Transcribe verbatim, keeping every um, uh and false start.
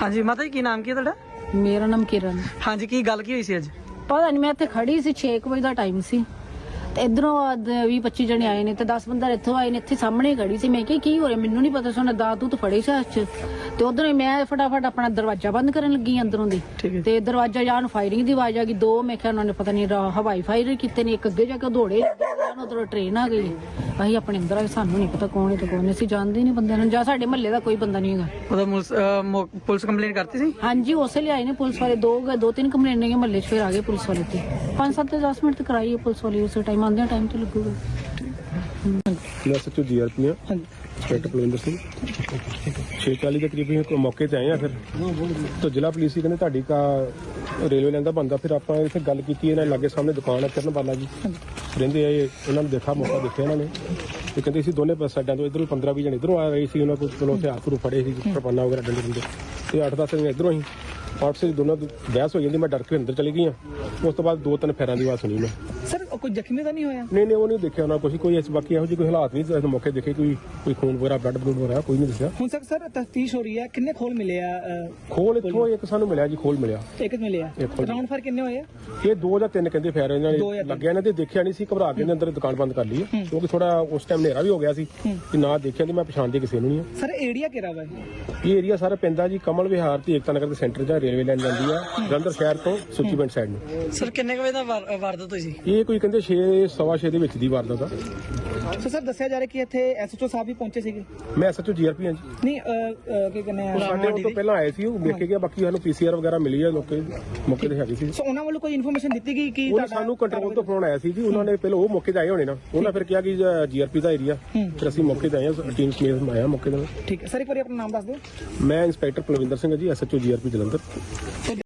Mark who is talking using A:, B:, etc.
A: हाँ जी माता जी की नाम की है तुहाडा?
B: ਮੇਰਾ ਨਾਮ ਕਿਰਨ।
A: हाँ जी की गल की हुई सी अज?
B: ਪਤਾ ਨਹੀਂ, ਮੈਂ ਇੱਥੇ ਖੜੀ ਸੀ ਛੇ ਕੁ ਵਜੇ ਦਾ ਟਾਈਮ ਸੀ ਤੇ ਇਧਰੋਂ ਵੀਹ ਪੱਚੀ ਜਣੇ ਆਏ ਨੇ ਤੇ ਦਸ ਬੰਦਾ ਇੱਥੋਂ ਆਏ ਨੇ। ਇੱਥੇ ਸਾਹਮਣੇ ਖੜੀ ਸੀ, ਮੈਂ ਕਿਹਾ ਕੀ ਹੋ ਰਿਹਾ, ਮੈਨੂੰ ਨਹੀਂ ਪਤਾ। ਸੋਨਾ ਦਾਤ ਦੂਤ ਫੜੇ ਸੀ ਹੱਥ 'ਚ ਤੇ ਉਧਰੋਂ ਮੈਂ ਫਟਾਫਟ ਆਪਣਾ ਦਰਵਾਜ਼ਾ ਬੰਦ ਕਰਨ ਲੱਗੀ ਅੰਦਰੋਂ ਦੀ ਤੇ ਦਰਵਾਜ਼ਾ ਜਾਂ ਨੂੰ ਫਾਇਰਿੰਗ ਦੀ ਆਵਾਜ਼ ਆ ਗਈ। ਦੋ ਮੈਂ ਕਿਹਾ ਉਹਨਾਂ ਨੇ ਪਤਾ ਨਹੀਂ ਹਵਾਈ ਫਾਇਰ ਕੀਤੇ ਨੇ, ਇੱਕ ਅੱਗੇ ਜਾ ਕੇ ਦੌੜੇ, ਉਧਰੋਂ ਟ੍ਰੇਨ ਆ ਗਈ। ਅਸੀਂ ਆਪਣੇ ਅੰਦਰ ਆਏ, ਸਾਨੂੰ ਨਹੀਂ ਪਤਾ ਕੌਣ ਹੈ ਤੇ ਕੌਣ ਨਹੀਂ, ਅਸੀਂ ਜਾਣਦੇ ਨਹੀਂ ਬੰਦਿਆਂ ਨੂੰ, ਜਾਂ ਸਾਡੇ ਮਹੱਲੇ ਦਾ ਕੋਈ ਬੰਦਾ ਨਹੀਂ ਹੈਗਾ।
A: पुलिस कंप्लेंट करती सी?
B: ਹਾਂਜੀ ਉਸੇ ਲਈ ਆਏ ਨੇ ਪੁਲਿਸ ਵਾਲੇ, ਦੋ ਦੋ ਤਿੰਨ ਕੰਪਲੇਂਟ ਨੇ ਮਹੱਲੇ 'ਚ, ਫਿਰ ਆ ਗਏ ਪੁਲਿਸ ਵਾਲੇ ਤੇ ਪੰਜ ਸੱਤ ਦਸ ਮਿੰਟ ਤੱਕ ਆਈ ਹੈ ਪੁਲਿਸ ਵਾਲੀ। ਉਸੇ ਟਾਈਮ ਆਉਂਦਿਆਂ ਟਾਈਮ ਤੇ ਲੱਗੂਗਾ।
C: मैं सचो जी आर पी हाँ इंस्पैक्टर पलविंदर सिंह छे चाली के करीब ही मौके से आए हैं। फिर तो जिला पुलिस ही कहते ਤੁਹਾਡੀ का रेलवे लाइन का बनता। फिर आप इतने गल की लागे सामने दुकान है किरण बाला जी रेंदे आए, उन्होंने देखा मौका देखा इन्होंने तो कहते सी दोनों साइडों तो इधरों पंद्रह भी जने इधरों आ रही थी, उन्होंने को चलो हथियार फुरू फड़े कृपाना वगैरह डंडे डंडे तो अठ दस जने इधरों ही पार्ट से दोनों बहस हो जाती। मैं डर के अंदर चली गई हाँ। उस तो बाद दो तीन फेर की आवाज सुनी मैं।
A: सर कोई जख्मी तो नहीं होया?
C: नहीं नहीं वो नहीं देखा उन्होंने कुछ कोई बाकी ਇਹੋ ਜਿਹੇ कोई हालात नहीं मौके देखे, कोई कोई खून वगैरह ब्लड ब्लड वगैरह कोई नहीं दिखा।
A: ਹੁਣ तक सर तफ्तीश हो रही है, किन्ने खोल मिले आ?
C: खोल इत्थों एक सानू मिलिਆ जी, खोल मिलिਆ
A: एक मिले आ। राउंड फायर किन्ने होए?
C: ਇਹ ਦੋ ਜਾਂ ਤਿੰਨ ਕਹਿੰਦੇ ਫੇਰ ਇਹਨਾਂ ਨੇ ਲੱਗਿਆ, ਇਹਨਾਂ ਦੇ ਦੇਖਿਆ ਨਹੀਂ ਸੀ, ਘਬਰਾ ਕੇ ਇਹਨਾਂ ਅੰਦਰ ਦੁਕਾਨ ਬੰਦ ਕਰ ਲਈ ਹੈ ਕਿਉਂਕਿ ਥੋੜਾ ਉਸ ਟਾਈਮ ਹਨੇਰਾ ਵੀ ਹੋ ਗਿਆ ਸੀ ਕਿ ਨਾ ਦੇਖਿਆ ਤੇ ਮੈਂ ਪਛਾਣਦੇ ਕਿਸੇ ਨੂੰ ਨਹੀਂ ਹੈ।
A: ਸਰ ਏਰੀਆ ਕਿਹੜਾ ਵਾ?
C: ਇਹ ਏਰੀਆ ਸਾਰਾ ਪੈਂਦਾ ਜੀ ਕਮਲ ਵਿਹਾਰ ਤੇ ਏਕਤਾ ਨਗਰ ਦੇ ਸੈਂਟਰ ਜਾਂ ਰੇਲਵੇ ਲਾਈਨ ਜਾਂਦੀ ਆ ਜਲੰਧਰ ਸ਼ਹਿਰ ਤੋਂ ਸੁੱਚੀ ਪਿੰਡ ਸਾਈਡ ਨੂੰ।
A: ਸਰ ਕਿੰਨੇ ਵਜੇ ਦਾ ਵਾਰਦਾਤ ਹੋਈ ਸੀ?
C: ਇਹ ਕੋਈ ਕਹਿੰਦੇ ਛੇ ਸਵਾ ਛੇ ਦੇ ਵਿੱਚ ਦੀ ਵਾਰਦਾਤ ਆ।
A: ਸੋ ਸਰ ਦੱਸਿਆ ਜਾ ਰਿਹਾ ਕਿ ਇੱਥੇ ਐਸਐਚਓ ਸਾਹਿਬ ਵੀ ਪਹੁੰਚੇ ਸੀਗੇ?
C: ਮੈਂ ਐਸਐਚਓ ਜੀਆਰਪੀ ਹਾਂ ਜੀ।
A: ਨਹੀਂ ਕੀ ਕਹਿੰਦੇ ਆ,
C: ਸਾਡੇ ਉਹ ਤੋਂ ਪਹਿਲਾਂ ਆਏ ਸੀ, ਉਹ ਦੇਖ ਕੇ ਗਿਆ। ਬਾਕੀ ਸਾਨੂੰ ਪੀਸੀਆਰ ਵਗੈਰਾ ਮਿਲੀ ਆ, ਲੋਕੇ ਮੌਕੇ ਤੇ ਹੈਗੀ ਸੀ।
A: ਸੋ ਉਹਨਾਂ ਵੱਲੋਂ ਕੋਈ ਇਨਫੋਰਮੇਸ਼ਨ ਦਿੱਤੀ ਗਈ ਕਿ
C: ਉਹਨਾਂ ਸਾਨੂੰ ਕੰਟਰੋਲ ਤੋਂ ਫੋਨ ਆਇਆ ਸੀ ਜੀ, ਉਹਨਾਂ ਨੇ ਪਹਿਲਾਂ ਉਹ ਮੌਕੇ ਤੇ ਆਏ ਹੋਣੇ ਨਾ, ਉਹਨਾਂ ਫਿਰ ਕਿਹਾ ਕਿ ਜੀਆਰਪੀ ਦਾ ਏਰੀਆ, ਫਿਰ ਅਸੀਂ ਮੌਕੇ ਤੇ ਆਏ ਹਾਂ, ਟੀਮ ਸਮੇਤ ਆਇਆ ਮੌਕੇ ਤੇ।
A: ਠੀਕ ਹੈ ਸਰ, ਇੱਕ ਵਾਰੀ ਆਪਣਾ ਨਾਮ ਦੱਸ ਦਿਓ।
C: ਮੈਂ ਇੰਸਪੈਕਟਰ ਪਲਵਿੰਦਰ ਸਿੰਘ ਜੀ, ਐਸਐਚਓ ਜੀਆਰਪੀ ਜਲੰਧਰ।